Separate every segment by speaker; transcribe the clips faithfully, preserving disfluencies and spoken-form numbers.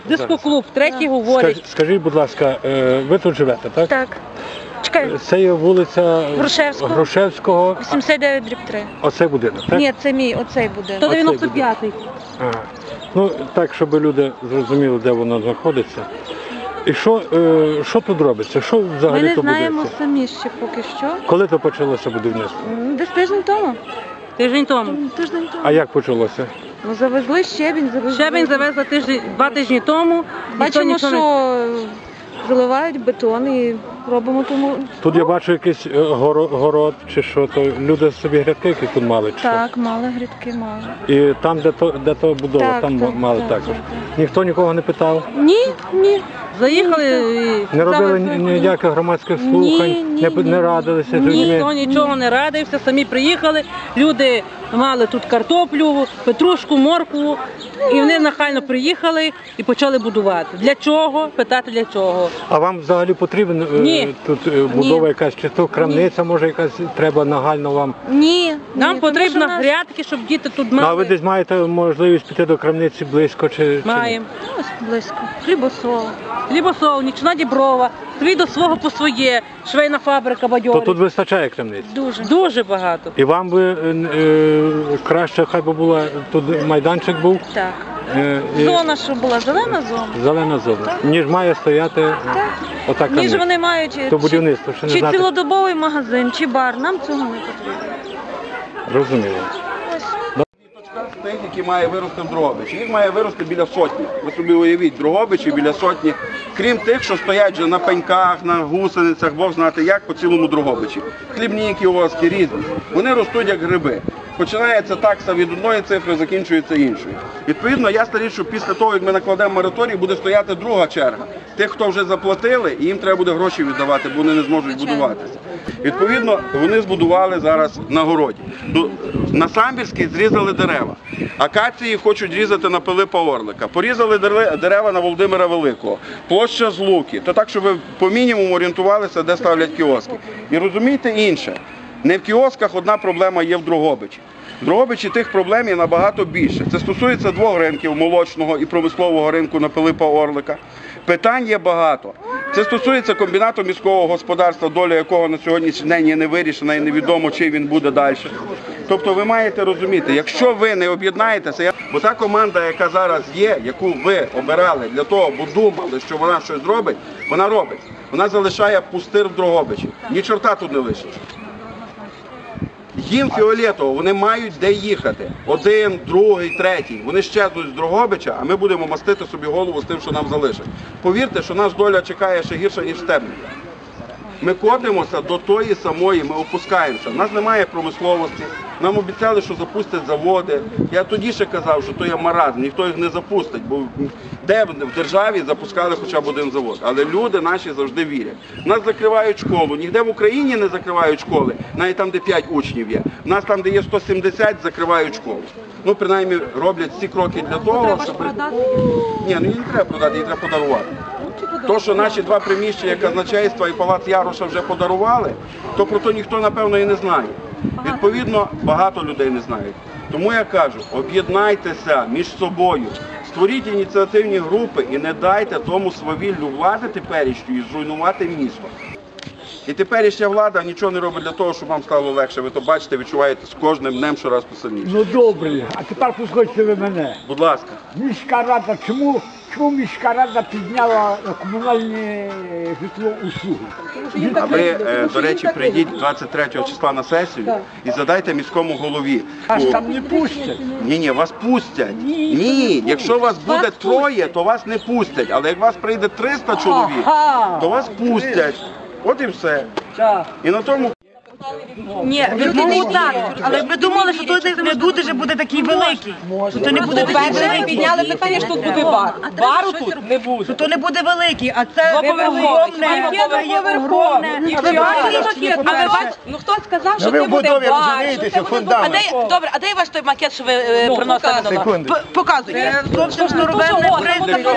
Speaker 1: Дискоклуб, третій говорить.
Speaker 2: Скажіть, будь ласка, ви тут живете, так?
Speaker 3: Так. Чекай.
Speaker 2: Це є вулиця
Speaker 3: Грушевського.
Speaker 2: Грушевського.
Speaker 3: вісімдесят дев'ять дріб три.
Speaker 2: Оцей будинок, так?
Speaker 3: Ні, це мій, оцей будинок.
Speaker 1: сто дев'яносто п'ятий.
Speaker 2: Ага. Ну, так, щоб люди зрозуміли, де воно знаходиться. І що, е, що тут робиться? Що взагалі
Speaker 3: Ми не
Speaker 2: то
Speaker 3: знаємо
Speaker 2: будується?
Speaker 3: самі ще поки що.
Speaker 2: Коли то почалося будівництво?
Speaker 3: М, Десь тиждень тому.
Speaker 1: Тиждень тому.
Speaker 3: Тиждень тому.
Speaker 2: А як почалося?
Speaker 3: Ну, завезли щебінь, завезли.
Speaker 1: Щебень завезла тиждень, два тижні тому. Ніхто
Speaker 3: Бачимо,
Speaker 1: нічого не-
Speaker 3: що заливають бетон і робимо тому.
Speaker 2: Тут я бачу якийсь е, горо- город чи що, то люди собі грядки які тут мали чи що?
Speaker 3: Так, мали грядки, мали.
Speaker 2: І там, де то, де то будова,
Speaker 3: Так,
Speaker 2: там
Speaker 3: так,
Speaker 2: мали
Speaker 3: так,
Speaker 2: також.
Speaker 3: так,
Speaker 2: Ніхто нікого не питав?
Speaker 3: Ні, ні.
Speaker 1: Заїхали і
Speaker 2: Не робили
Speaker 1: завезли.
Speaker 2: ніяких громадських
Speaker 3: Ні,
Speaker 2: слухань,
Speaker 3: ні,
Speaker 2: не,
Speaker 3: ні.
Speaker 2: не радилися з
Speaker 1: Ніхто
Speaker 2: людьми?
Speaker 1: нічого не радився, самі приїхали, люди мали тут картоплю, петрушку, моркву, і вони нахально приїхали і почали будувати. Для чого? Питати для чого.
Speaker 2: А вам взагалі потрібна е,
Speaker 1: Ні.
Speaker 2: тут е, будова якась, чи то крамниця, може якась треба нагально вам?
Speaker 3: Ні.
Speaker 1: Нам
Speaker 3: ні,
Speaker 1: потрібно
Speaker 3: тому що нас-
Speaker 1: грядки, щоб діти тут
Speaker 2: Ну, а ви
Speaker 1: мали.
Speaker 2: десь маєте можливість піти до крамниці близько чи, чи ні?
Speaker 1: Маємо.
Speaker 3: Ось близько. Хлібосол.
Speaker 1: Хлібосол, нічна Діброва, свій до свого по своє, швейна фабрика
Speaker 2: То
Speaker 1: бадьорить.
Speaker 2: тут вистачає крамниць?
Speaker 3: Дуже.
Speaker 1: Дуже багато.
Speaker 2: І вам би е, е, краще, хай би була, тут майданчик був,
Speaker 3: Так.
Speaker 2: е, і
Speaker 3: Зона, що була, зелена зона.
Speaker 2: зелена зона, ніж має стояти е, ота
Speaker 3: Ніж
Speaker 2: крамниця.
Speaker 3: вони мають
Speaker 2: То
Speaker 3: чи,
Speaker 2: будівництво, ще не
Speaker 3: чи
Speaker 2: знати.
Speaker 3: цілодобовий магазин, чи бар. Нам цього не потрібно.
Speaker 2: Розуміло.
Speaker 4: Тих, які має вирости в Дрогобичі. Їх має вирости біля сотні. Ви собі уявіть, в Дрогобичі біля сотні. Крім тих, що стоять вже на пеньках, на гусеницях, Бог знати як, по цілому Дрогобичі. Хлібні кіоски різні. Вони ростуть як гриби. Починається такса від одної цифри, закінчується іншою. Відповідно, я старі, що після того, як ми накладемо мораторій, буде стояти друга черга. Тих, хто вже заплатили, і їм треба буде гроші віддавати, бо вони не зможуть будуватися. Відповідно, вони збудували зараз на городі. На Самбірській зрізали дерева. Акації хочуть різати на Пилипа Орлика. Порізали дерева на Володимира Великого. Площа Злуки. То так, щоб ви по мінімуму орієнтувалися, де ставлять кіоски. І розумієте інше. Не в кіосках одна проблема є в Дрогобичі. В Дрогобичі тих проблем є набагато більше. Це стосується двох ринків, молочного і промислового ринку на Пилипа Орлика. Питань є багато. Це стосується комбінату міського господарства, доля якого на сьогоднішній день є не вирішена і невідомо, чи він буде далі. Тобто ви маєте розуміти, якщо ви не об'єднаєтеся, бо та команда, яка зараз є, яку ви обирали для того, бо думали, що вона щось зробить, вона робить. Вона залишає пустир в Дрогобичі. Ні чорта тут не лишить. Їм фіолетово, вони мають де їхати. Один, другий, третій. Вони щезнуть з Дрогобича, а ми будемо мастити собі голову з тим, що нам залишить. Повірте, що нас доля чекає ще гірше, ніж Стебника. Ми котимося до тої самої, ми опускаємося. У нас немає промисловості, нам обіцяли, що запустять заводи. Я тоді ще казав, що то є маразм, ніхто їх не запустить, бо де в державі запускали хоча б один завод. Але люди наші завжди вірять. Нас закривають школу, ніде в Україні не закривають школи, навіть там, де п'ять учнів є. У нас там, де є сто сімдесят, закривають школу. Ну, принаймні, роблять всі кроки для того, щоб... Ні, ну її не треба продати, її треба подарувати. То, що наші два приміщення казначейства і Палац Яроша вже подарували, то про то ніхто, напевно, і не знає. Відповідно, багато людей не знають. Тому я кажу, об'єднайтеся між собою, створіть ініціативні групи і не дайте тому свавіллю влади теперішньої зруйнувати місто. І теперішня влада нічого не робить для того, щоб вам стало легше. Ви то бачите, відчуваєте з кожним днем щораз посильніше.
Speaker 5: Ну добре, а тепер послухайте ви мене.
Speaker 4: Будь ласка.
Speaker 5: Міська рада, чому, чому міська рада підняла комунальні житлоусуги?
Speaker 4: А ви, е, до речі, прийдіть двадцять третього числа на сесію і задайте міському голові.
Speaker 5: Аж там не пустять.
Speaker 4: Ні, ні, вас пустять. Ні, якщо вас буде троє, то вас не пустять. Але як вас прийде триста чоловік, то вас пустять. От і все. І на тому...
Speaker 6: Ні, ну так, але ми думали, що тут не буде, що буде такий великий. Що то не буде такий великий.
Speaker 1: Підняли питання, що тут буде бар. Бару тут не буде.
Speaker 6: Що то не буде великий, а це огромне, огромне.
Speaker 1: А ви бачите, ну хто сказав, що
Speaker 7: ви
Speaker 1: не
Speaker 7: в
Speaker 1: буде
Speaker 7: будові
Speaker 1: бар?
Speaker 7: розумієтеся,
Speaker 1: А
Speaker 7: фундамент.
Speaker 1: де, добре, а де ваш той макет, що ви е, приносили на
Speaker 7: Секунду.
Speaker 6: Показуйте. Зовсім шнуровельне принцип.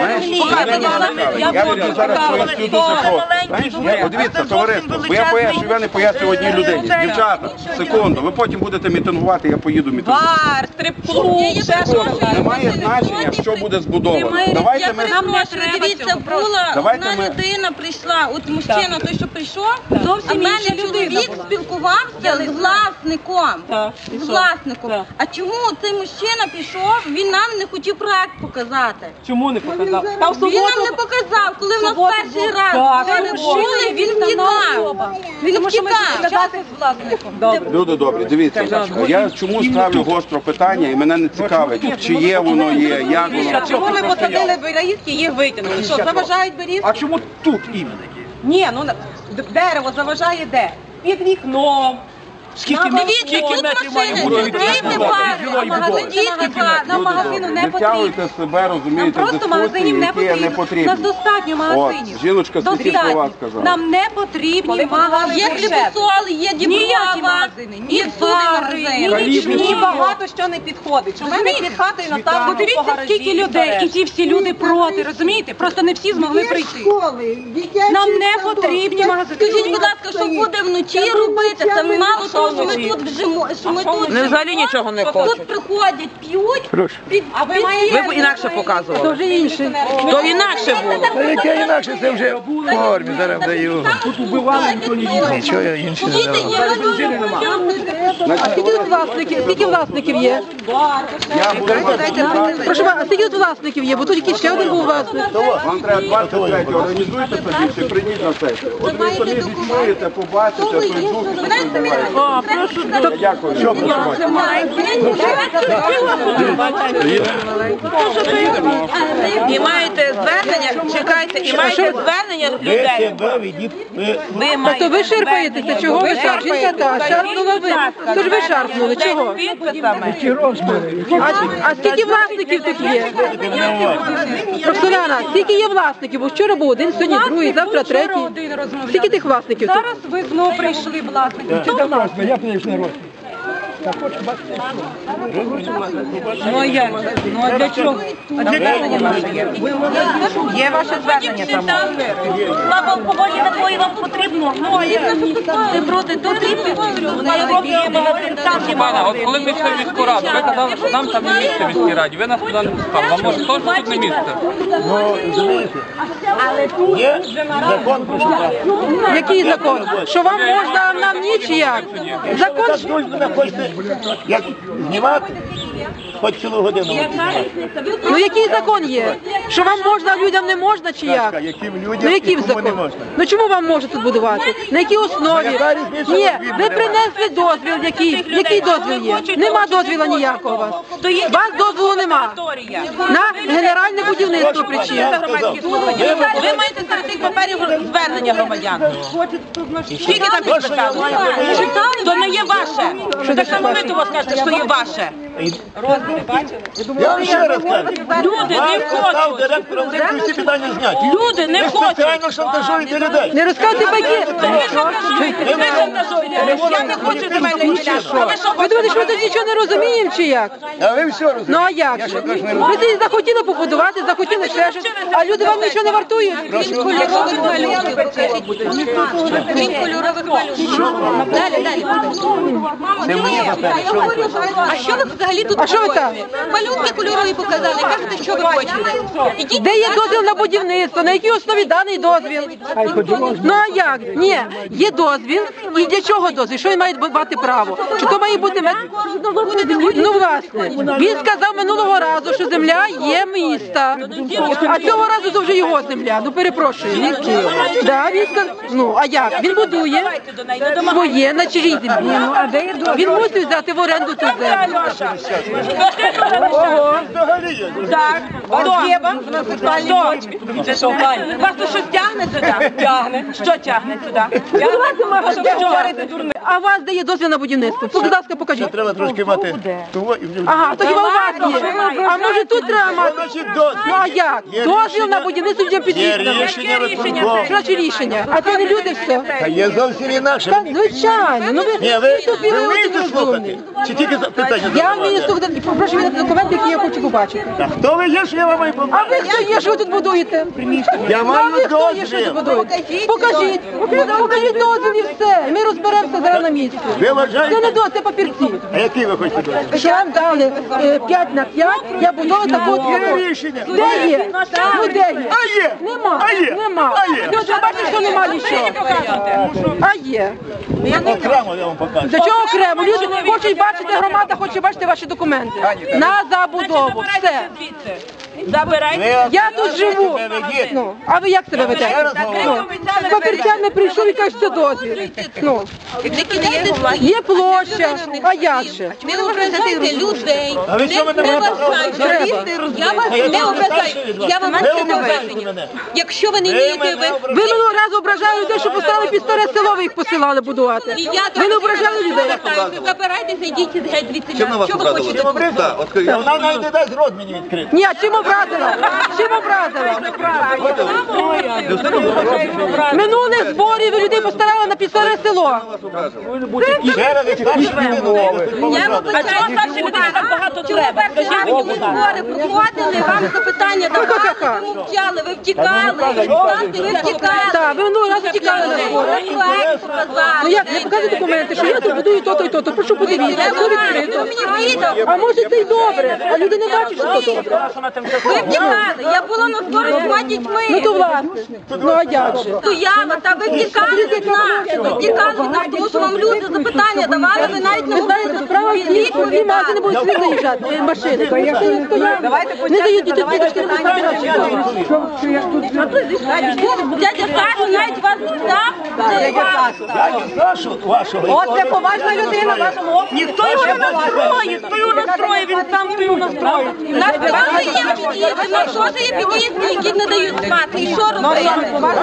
Speaker 4: Я буду зараз поясню дуже просто. От дивіться, товариство, бо я поясню, я не поясню одній людині. можливість. Дівчата, секунду, ви потім будете мітингувати, я поїду мітингувати.
Speaker 1: Бар, стрип-клуб, ще щось.
Speaker 4: Немає значення, що буде збудовано. Давайте ми...
Speaker 7: Нам не треба. Дивіться, була
Speaker 4: Давайте
Speaker 7: одна
Speaker 4: ми-
Speaker 7: людина прийшла, от мужчина, той, що прийшов, а в мене чоловік спілкувався з власником.
Speaker 1: Так, і
Speaker 7: З
Speaker 1: що?
Speaker 7: власником.
Speaker 1: Так.
Speaker 7: А чому цей мужчина пішов, він нам не хотів проект показати?
Speaker 1: Чому не показав? Та в
Speaker 7: Він нам не
Speaker 1: суботу
Speaker 7: показав, коли в нас
Speaker 1: суботу
Speaker 7: перший
Speaker 1: був.
Speaker 7: раз
Speaker 1: Так,
Speaker 7: перечули, він втікав. Він втікав.
Speaker 1: добре.
Speaker 4: Люди добрі, дивіться, я чому ставлю гостро питання і мене не цікавить, чи є воно є, як воно.
Speaker 1: Чому ви посадили берізки, їх витягнули? Що, заважають берізки?
Speaker 5: А чому тут іменно є?
Speaker 1: Ні, ну на- д- дерево заважає де? Під вікном.
Speaker 5: Скільки,
Speaker 7: Дивіться,
Speaker 5: скільки
Speaker 7: тут
Speaker 5: метрів має
Speaker 7: машини,
Speaker 5: бути
Speaker 7: тут
Speaker 5: від
Speaker 7: діти
Speaker 5: будови?
Speaker 7: пари,
Speaker 5: Від жилої
Speaker 7: магазин,
Speaker 5: будови?
Speaker 7: діти пари.
Speaker 1: Нам
Speaker 4: Люди
Speaker 1: магазину
Speaker 4: добрі,
Speaker 1: не
Speaker 4: не втягуйте
Speaker 1: потрібно.
Speaker 4: себе, розумієте,
Speaker 1: Нам просто
Speaker 4: дискусії,
Speaker 1: магазинів не
Speaker 4: які
Speaker 1: потрібно.
Speaker 4: не потрібні.
Speaker 1: Нас достатньо магазинів.
Speaker 4: От, жіночка скільки
Speaker 1: Достатньо.
Speaker 4: слова сказала.
Speaker 1: Нам не потрібні магазини.
Speaker 7: Є хлібосол, є
Speaker 1: Ніякі
Speaker 7: діброва,
Speaker 1: магазини, ні
Speaker 7: є
Speaker 1: бари,
Speaker 7: магазини.
Speaker 1: ні, ні багато що не підходить. У мене під хатою на там подивіться, скільки людей, і ці всі люди проти, розумієте? Просто не всі змогли прийти. Нам не потрібні магазини.
Speaker 7: Скажіть, будь ласка, що буде вночі робити? Це мало того, що ми тут вжимо, що ми тут
Speaker 1: Вони взагалі нічого не хочуть.
Speaker 7: Тут приходять, п'ють. Під,
Speaker 1: А ви маєте... Ви б інакше показували. То вже інше. То інакше було.
Speaker 8: Яке інакше, це вже в формі, зараз даю.
Speaker 5: Тут убивали, ніхто не їздив.
Speaker 8: Нічого інше не
Speaker 7: Діти
Speaker 8: дав.
Speaker 7: є
Speaker 4: Значить,
Speaker 9: Скільки тут власників? Скільки власників є?
Speaker 4: я буду вас
Speaker 9: Прошу вас, а скільки тут власників є? Бо тут якийсь ще один був власник.
Speaker 4: Вам треба двадцять третього, організуйте собі, чи прийдіть на сесію. От ви самі відчуєте, побачите, той дух, що відбувається.
Speaker 1: О, прошу.
Speaker 4: Я Дякую. Що прошу?
Speaker 1: І маєте звернення, чекайте, і маєте звернення людей. Ви
Speaker 9: Та
Speaker 1: маєте
Speaker 9: то ви шарпаєтеся, чого ви шарпаєте? Та, шарпнула ви. То ж ви шарпнули, чого?
Speaker 1: Підписами.
Speaker 9: А, а скільки власників тут є? Роксоляна, скільки є власників? Бо вчора був один, сьогодні другий, завтра третій. Скільки тих власників тут?
Speaker 1: Зараз ви знову прийшли власники.
Speaker 5: Це давно, я приїхав на рост. Так от, бачите,
Speaker 1: Ну а як? Ну а для чого? А для звернення наше є. Є ваше звернення там.
Speaker 6: Слава алкоголі такої вам потрібно. Ну, а як ви проти, то
Speaker 10: Пане, от коли ми йшли в міську раду, ви казали, що нам там не місце в міській раді. Ви нас туди не пускали. Вам може теж тут не місце?
Speaker 8: Ну, розумієте, є закон про що.
Speaker 9: Який закон? Що вам можна, а нам ні чи як? Закон
Speaker 8: Так дуже мене хочете, як знімати, хоч цілу годину.
Speaker 9: Ну який закон є? Що вам можна, а людям не можна чи як?
Speaker 8: Яким людям
Speaker 9: Ну
Speaker 8: і
Speaker 9: який
Speaker 8: кому не
Speaker 9: закон?
Speaker 8: можна.
Speaker 9: Ну чому вам можна тут будувати? На якій основі?
Speaker 8: яка різниця,
Speaker 9: Ні,
Speaker 8: от він
Speaker 9: ви
Speaker 8: мене
Speaker 9: принесли дозвіл, який? Який дозвіл є? Нема дозвіла ніякого у вас. У вас дозволу нема. На генеральне будівництво причин.
Speaker 1: Ви маєте серед тих паперів звернення громадян. Скільки там підписали? То не є ваше. Так само ви того скажете, що є ваше.
Speaker 8: Я вам ще раз кажу.
Speaker 1: Люди не
Speaker 8: Вас став
Speaker 1: хочуть.
Speaker 8: директором, ви всі питання зняті.
Speaker 1: Люди не
Speaker 8: Ви
Speaker 1: хочуть.
Speaker 8: спеціально шантажуєте людей.
Speaker 9: Не розказуйте байки.
Speaker 1: Ви шантажуєте. Ви шантажуєте. Я не хочу земельних ділянок. А ви що
Speaker 9: Ви думаєте, що ми
Speaker 1: хочете?
Speaker 9: тут нічого не розуміємо чи як?
Speaker 8: А ви все розумієте.
Speaker 9: Ну а як же? Ви тоді захотіли побудувати, захотіли ще щось, а люди вам нічого не вартують.
Speaker 7: Крім кольорових малюнків, покажіть. Крім кольорових малюнків. Далі, далі. Мамо, а що ви взагалі тут
Speaker 9: А що ви там?
Speaker 7: робите? Малюнки кольорові показали, кажете, що ви хочете. Ідіть.
Speaker 9: Де є дозвіл на будівництво? На якій основі даний дозвіл? Ну а як? Ні, є дозвіл. І для чого дозвіл? Що він має мати право? Чи то має бути мет... Ну власне, він сказав минулого разу, що земля є міста. А цього разу це вже його земля. Ну перепрошую. Він да, він сказав. Ну а як? Він будує своє на чужій землі. Він мусить взяти в оренду цю землю.
Speaker 8: Взагалі є.
Speaker 1: Так, хто? Хто? Це що, Ваня? Вас тут щось тягне сюди? Тягне. Що тягне сюди?
Speaker 9: А у вас де є дозвіл на будівництво? Будь ласка, покажіть.
Speaker 8: Треба трошки мати того і в
Speaker 9: Ага, то хіба у вас є? А може тут треба мати?
Speaker 8: Значить, дозвіл.
Speaker 9: Ну а як?
Speaker 8: Є
Speaker 9: Дозвіл
Speaker 8: рішення-
Speaker 9: на будівництво вже
Speaker 8: Є
Speaker 9: підписано.
Speaker 8: рішення виконкому.
Speaker 9: Що значить рішення? А це не люди все?
Speaker 8: Та є зовсім інакше.
Speaker 9: Та, звичайно, ну ви
Speaker 8: Ні, ви,
Speaker 9: тут
Speaker 8: ви
Speaker 9: ви
Speaker 8: вмієте
Speaker 9: розумні.
Speaker 8: слухати? Чи тільки за- питання?
Speaker 9: Я вам мені слухати, попрошу віддати документи, які я хочу побачити.
Speaker 8: Хто ви є, що я вам маю
Speaker 9: А
Speaker 8: побачити?
Speaker 9: ви хто є, що ви тут будуєте?
Speaker 8: Я
Speaker 9: А
Speaker 8: маю
Speaker 9: ви хто є, що ви
Speaker 8: дозвіл.
Speaker 9: тут будуєте? Покажіть. Покажіть дозвіл і все. І ми розберемося зараз на місці.
Speaker 8: Ви вважаєте?
Speaker 9: Це не дозвіл, це папірці.
Speaker 8: А який ви хочете дозвіл?
Speaker 9: Що вам дали п'ять на п'ять, я будова такого
Speaker 8: Є
Speaker 9: твого.
Speaker 8: рішення.
Speaker 9: Де є? Ну де є?
Speaker 8: А є.
Speaker 9: Нема.
Speaker 8: А є.
Speaker 9: Нема.
Speaker 8: А є.
Speaker 9: Ви вже бачите, що нема нічого. А є.
Speaker 8: Окремо я вам покажу.
Speaker 9: До чого окремо? Люди хочуть бачити, громада хоче бачити ваші документи. На забудову. Все.
Speaker 6: Забирайте.
Speaker 9: Я тут живу. Ну, а ви як себе ведете? Ну, з папірцями прийшов і каже, що дозвіл. Ну, є площа, а як же?
Speaker 7: Ви ображаєте людей.
Speaker 8: А ви що мене
Speaker 7: Не
Speaker 8: ображаєте?
Speaker 7: вважайте, я вас не ображаю. Я вам
Speaker 8: Ви
Speaker 7: не
Speaker 8: ображаєте
Speaker 7: ображаю.
Speaker 8: мене.
Speaker 7: Якщо ви не
Speaker 8: Ви
Speaker 7: вмієте,
Speaker 8: мене
Speaker 7: ви...
Speaker 8: ображаєте.
Speaker 9: Ви минулого разу ображали людей, що поставили під старе село, ви їх посилали будувати.
Speaker 7: І я
Speaker 9: Ви не ображали людей?
Speaker 7: Забирайтеся, йдіть геть звідси. Що ви хочете?
Speaker 8: Вона навіть не дасть рот мені відкрити.
Speaker 9: Ні, а чим образила? Чим образила? Минулих зборів ви людей поставили на під старе село.
Speaker 8: Ще раз, як старші людини,
Speaker 7: Я вибачаю, старші людини так багато треба. Скажіть, ви збори проходили, вам запитання давали, ви мовчали, ви втікали. Ви втікали.
Speaker 9: Так, ви минулого разу тікали на збори. Ну як, не показують документи, що я тут будую то-то і то-то. Прошу подивіться, все відкрито. А може це й добре, а люди не бачать, що це добре.
Speaker 7: Ви втікали. Я була на зборі з двома дітьми.
Speaker 9: Ну то власне, ну а як же?
Speaker 7: Стояла, та ви втікали від нас. Ви втікали від нас, тому що вам люди запитання давали, ви навіть не
Speaker 9: Ви знаєте, справа в тім, що всі магазини будуть сюди заїжджати, машини. Машини стоять, не дають діти діточки не забирати.
Speaker 7: Дядя Саша навіть вас не знав.
Speaker 8: Дядю Сашу вашого.
Speaker 6: Оце поважна людина в вашому окрузі. Ніхто його не настроїть, хто його настроїть, він сам хто його настроїть.
Speaker 7: На вас є під'їзди, на що ж є під'їзди, які не дають спати. І що робити?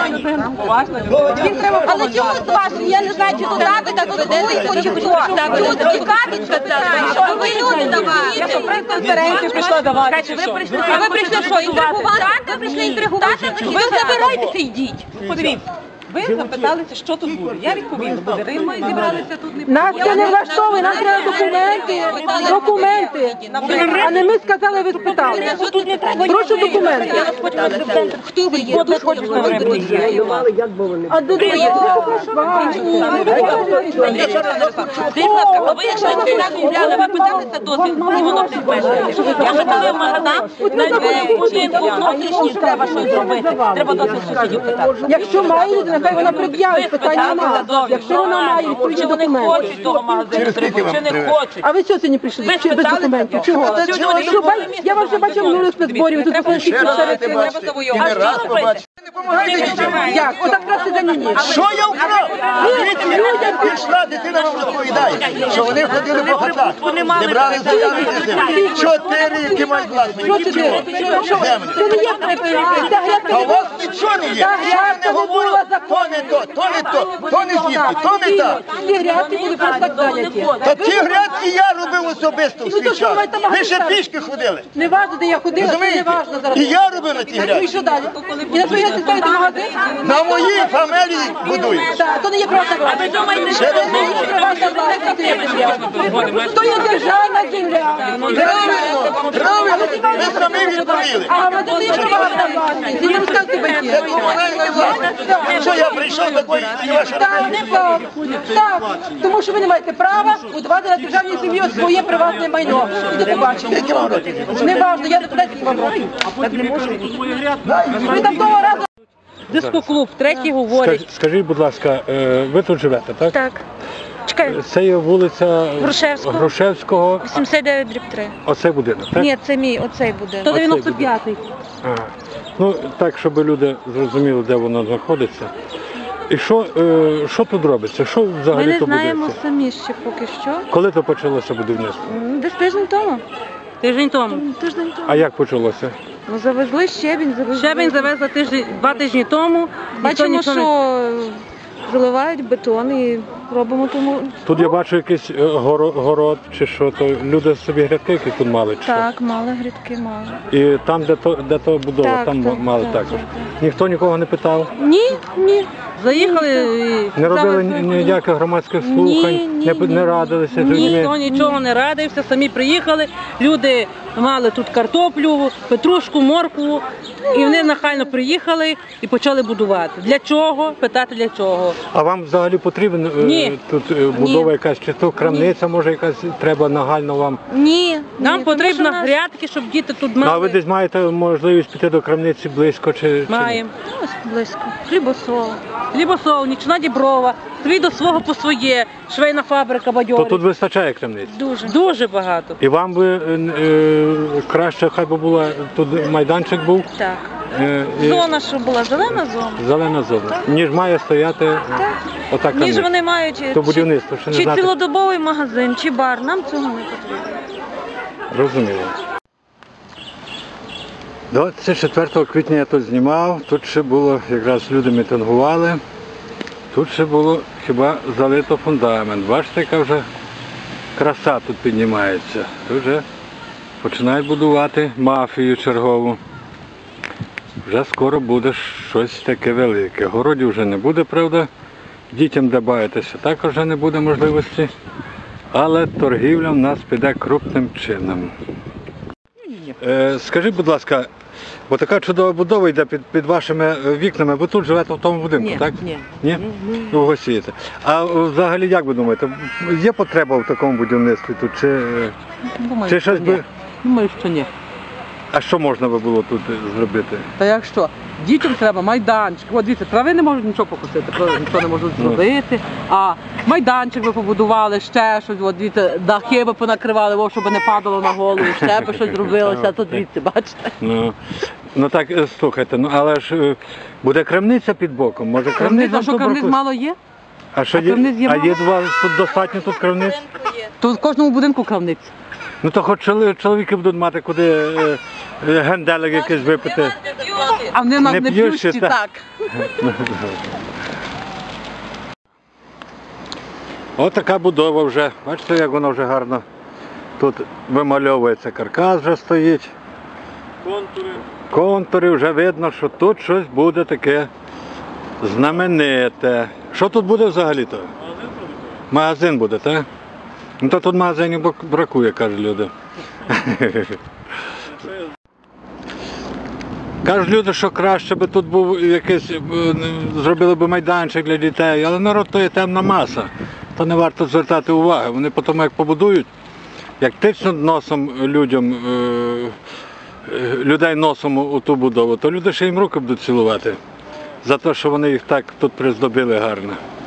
Speaker 7: Але чому з вашим? Я не знаю, чи туди ви так ведете, чи хто. Тут тікати, що ви люди давали.
Speaker 6: Я що, прес-конференцію прийшла давати. Ви прийшли,
Speaker 7: А ви прийшли що, інтригувати? Ви прийшли інтригувати? Ви забирайтеся, йдіть.
Speaker 6: Подивіться. Ви запиталися, що тут буде. Я відповіла, буде Рима і зібралися тут не
Speaker 9: Нас це не влаштовує, нам треба документи, документи. А не ми сказали, ви спитали. Прошу документи.
Speaker 7: Хто ви є? Хто хоче
Speaker 9: А до
Speaker 6: а ви якщо не купляли, ви питалися дозвіл, і воно підпишете. Я питала в магазин, будинку внутрішній треба щось зробити. Треба дозвіл сусідів питати.
Speaker 9: Якщо має люди, нехай вона пред'явить, питання немає. Якщо вона має відповідні
Speaker 6: Чи вони
Speaker 9: документи.
Speaker 6: хочуть того магазину, треба, чи не хочуть.
Speaker 9: А ви що сьогодні прийшли?
Speaker 6: Ви
Speaker 9: Чи без
Speaker 6: спитали
Speaker 9: документів?
Speaker 6: це?
Speaker 9: Чого?
Speaker 6: Та чого?
Speaker 9: Що, бач- Я вас вже бачив минулих спецборів, тут
Speaker 6: Треба
Speaker 9: тільки
Speaker 6: ще раз
Speaker 9: серед
Speaker 6: ти
Speaker 9: села.
Speaker 6: бачите. І не раз побачите.
Speaker 9: Як? Отак красти за ні.
Speaker 8: Що я вкрав? Людям пішла, дитина вам розповідає, що вони ходили по хатах, не брали заявки на землю. Чотири, які мають власні. Чого? Землю.
Speaker 9: Це не є припинити. Ця грядка
Speaker 8: А
Speaker 9: не
Speaker 8: у вас нічого не є. Що я не говорю, то не то, то не то, то не звідти, то не так.
Speaker 9: Ці грядки були просто так зайняті.
Speaker 8: Та ті грядки я робив особисто в
Speaker 9: Ну, то
Speaker 8: свій
Speaker 9: що
Speaker 8: час.
Speaker 9: ви там
Speaker 8: Ви ще
Speaker 9: магазин?
Speaker 8: пішки ходили.
Speaker 9: Не важно, де я ходила, це не
Speaker 8: Розумієте?
Speaker 9: важно зараз.
Speaker 8: І я робив на ті
Speaker 9: Ну і
Speaker 8: грядки.
Speaker 9: що далі? І на своїй грядці ставити магазин?
Speaker 8: На моїй фамілії будують.
Speaker 9: Так, то не є приватна власність.
Speaker 8: Ще раз
Speaker 9: Не є
Speaker 8: говорю.
Speaker 9: приватна власність, то є земля. То є державна земля.
Speaker 8: Правильно, правильно, ви самі відповіли.
Speaker 9: А громадяни є приватна власність. І не розказуйте батьків.
Speaker 8: Це комунальна власність. Що я прийшов такої і ваша
Speaker 9: Так, так, так, тому що ви не маєте права будувати на державній землі своє приватне майно. І до побачення.
Speaker 8: Скільки вам років?
Speaker 9: Не важно, я не питаю, скільки вам років. Так не можу. Ви там того разу...
Speaker 1: Дискоклуб, третій говорить.
Speaker 2: Скаж- Скажіть, будь ласка, е, ви тут живете, так?
Speaker 3: Так. Чекай,
Speaker 2: Це є вулиця
Speaker 3: Грушевського.
Speaker 2: Грушевського,
Speaker 3: вісімдесят дев'ять дріб три.
Speaker 2: оцей будинок, так?
Speaker 3: Ні, це мій, оцей будинок.
Speaker 1: сто дев'яносто п'ятий.
Speaker 2: Ага. Ну, так, щоб люди зрозуміли, де воно знаходиться. І що, е, що тут робиться? Що
Speaker 3: Ми
Speaker 2: взагалі
Speaker 3: не
Speaker 2: то
Speaker 3: знаємо
Speaker 2: будується?
Speaker 3: самі ще поки що.
Speaker 2: Коли то почалося будівництво?
Speaker 3: М, Десь тиждень тому.
Speaker 1: Тиждень тому.
Speaker 3: Тиждень тому.
Speaker 2: А як почалося?
Speaker 3: Ну, завезли щебінь, завезли.
Speaker 1: Щебень завезла тиждень, два тижні тому. Ніхто
Speaker 3: Бачимо,
Speaker 1: нічого не-
Speaker 3: що заливають бетон і робимо тому.
Speaker 2: Тут я бачу якийсь е, горо- город чи що, то люди собі грядки які тут мали чи що?
Speaker 3: Так, мали грядки, мали.
Speaker 2: І там, де то, де то будова,
Speaker 3: Так,
Speaker 2: там
Speaker 3: так,
Speaker 2: мали
Speaker 3: так,
Speaker 2: також.
Speaker 3: так,
Speaker 2: Ніхто нікого не питав?
Speaker 3: Ні, ні.
Speaker 1: Заїхали і
Speaker 2: Не робили
Speaker 1: взяли-
Speaker 2: ні- ніяких громадських слухань,
Speaker 3: Ні, ні,
Speaker 2: не,
Speaker 3: ні,
Speaker 2: не
Speaker 3: ні.
Speaker 2: радилися з
Speaker 1: Ніхто
Speaker 2: людьми?
Speaker 1: нічого не радився, самі приїхали, люди мали тут картоплю, петрушку, моркву, і вони нахально приїхали і почали будувати. Для чого? Питати для чого.
Speaker 2: А вам взагалі потрібен е,
Speaker 1: Ні.
Speaker 2: тут е, будова якась, чи то крамниця, може якась треба нагально вам?
Speaker 3: Ні.
Speaker 1: Нам
Speaker 3: ні,
Speaker 1: потрібно
Speaker 3: тому що наш-
Speaker 1: грядки, щоб діти тут
Speaker 2: Ну, а ви
Speaker 1: мали.
Speaker 2: десь маєте можливість піти до крамниці близько чи, чи ні?
Speaker 1: Маємо.
Speaker 3: Ось близько. Хлібосол.
Speaker 1: Хлібосол, нічна діброва, свій до свого по своє, швейна фабрика
Speaker 2: То
Speaker 1: бадьорить.
Speaker 2: тут вистачає крамниць?
Speaker 3: Дуже.
Speaker 1: Дуже багато.
Speaker 2: І вам би е, е, краще, хай би була тут майданчик був,
Speaker 3: Так.
Speaker 2: е, і
Speaker 3: Зона, що була, зелена зона.
Speaker 2: зелена зона, ніж має стояти е, ота
Speaker 3: Ніж
Speaker 2: крамниця.
Speaker 3: вони мають
Speaker 2: То
Speaker 3: чи,
Speaker 2: будівництво, ще не
Speaker 3: чи
Speaker 2: знати.
Speaker 3: цілодобовий магазин, чи бар. Нам цього не потрібно.
Speaker 2: Розуміло. двадцять четвертого квітня я тут знімав, тут ще було, якраз люди мітингували, тут ще було хіба залито фундамент. Бачите, яка вже краса тут піднімається. Тут вже починають будувати мафію чергову. Вже скоро буде щось таке велике. Городів вже не буде, правда. Дітям де бавитися також вже не буде можливості. Але торгівля в нас піде крупним чином. Е, скажіть, будь ласка, бо така чудова будова йде під, під вашими вікнами, ви тут живете в тому будинку,
Speaker 1: Ні,
Speaker 2: так?
Speaker 1: ні.
Speaker 2: Ні? Ви гостієте. А взагалі, як ви думаєте, є потреба в такому будівництві тут? Чи, е,
Speaker 9: Думаю,
Speaker 2: чи
Speaker 9: що
Speaker 2: щось
Speaker 9: ні.
Speaker 2: би...
Speaker 9: Думаю, що ні.
Speaker 2: А що можна би було тут зробити?
Speaker 9: Та як що? Дітям треба майданчик. От дивіться, трави не можуть нічого покусити, правда, нічого не можуть зробити. А майданчик ви побудували, ще щось, от дивіться, дахи ви понакривали, о, щоб не падало на голову, ще би щось зробилося, тут дивіться, бачите?
Speaker 2: Ну, ну так, е, слухайте, ну але ж е, буде крамниця під боком, може крамниця?
Speaker 9: Крамниця, що крамниць мало є?
Speaker 2: А що
Speaker 9: а
Speaker 2: є?
Speaker 9: крамниць є
Speaker 2: А
Speaker 9: мало?
Speaker 2: є два тут достатньо тут крамниць?
Speaker 9: То в кожному будинку крамниця.
Speaker 2: Ну то хоч чоли- чоловіки будуть мати куди е, е, генделик якийсь випити.
Speaker 9: А вони в нас
Speaker 2: Не
Speaker 9: не
Speaker 2: п'ють ще,
Speaker 9: п'ющі,
Speaker 2: так?
Speaker 9: так.
Speaker 2: Ось така будова вже. Бачите, як вона вже гарно. Тут вимальовується каркас вже стоїть. Контури. Контури, вже видно, що тут щось буде таке знамените. Що тут буде взагалі-то? Магазин буде, так? Ну то тут магазинів бак- бракує, кажуть люди. Кажуть люди, що краще би тут був якийсь, е, зробили б майданчик для дітей, але народ то є темна маса. То не варто звертати уваги. Вони потім як побудують, як тичнуть носом людям, е, е, людей носом у ту будову, то люди ще їм руки будуть цілувати за те, що вони їх так тут приздобили гарно.